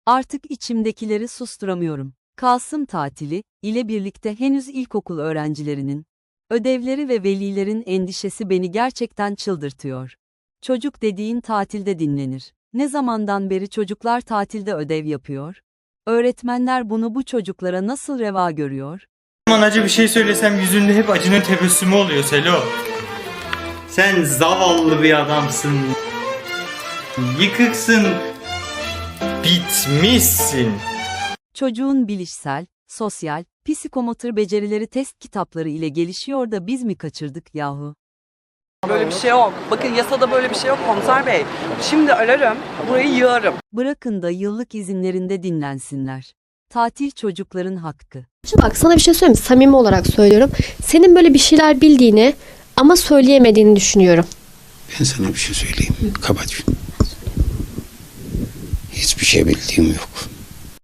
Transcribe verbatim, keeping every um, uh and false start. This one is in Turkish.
Artık içimdekileri susturamıyorum. Kasım tatili ile birlikte henüz ilkokul öğrencilerinin, ödevleri ve velilerin endişesi beni gerçekten çıldırtıyor. Çocuk dediğin tatilde dinlenir. Ne zamandan beri çocuklar tatilde ödev yapıyor? Öğretmenler bunu bu çocuklara nasıl reva görüyor? Aman acı bir şey söylesem yüzünde hep acının tebessümü oluyor Selo. Sen zavallı bir adamsın. Yıkıksın. Bitmişsin. Çocuğun bilişsel, sosyal, psikomotor becerileri test kitapları ile gelişiyor da biz mi kaçırdık yahu? Böyle bir şey yok. Bakın yasada böyle bir şey yok komiser bey. Şimdi ararım, burayı yığarım. Bırakın da yıllık izinlerinde dinlensinler. Tatil çocukların hakkı. Şimdi bak sana bir şey söyleyeyim mi? Samimi olarak söylüyorum. Senin böyle bir şeyler bildiğini ama söyleyemediğini düşünüyorum. Ben sana bir şey söyleyeyim. Kapat şunu. Hiçbir şey bildiğim yok.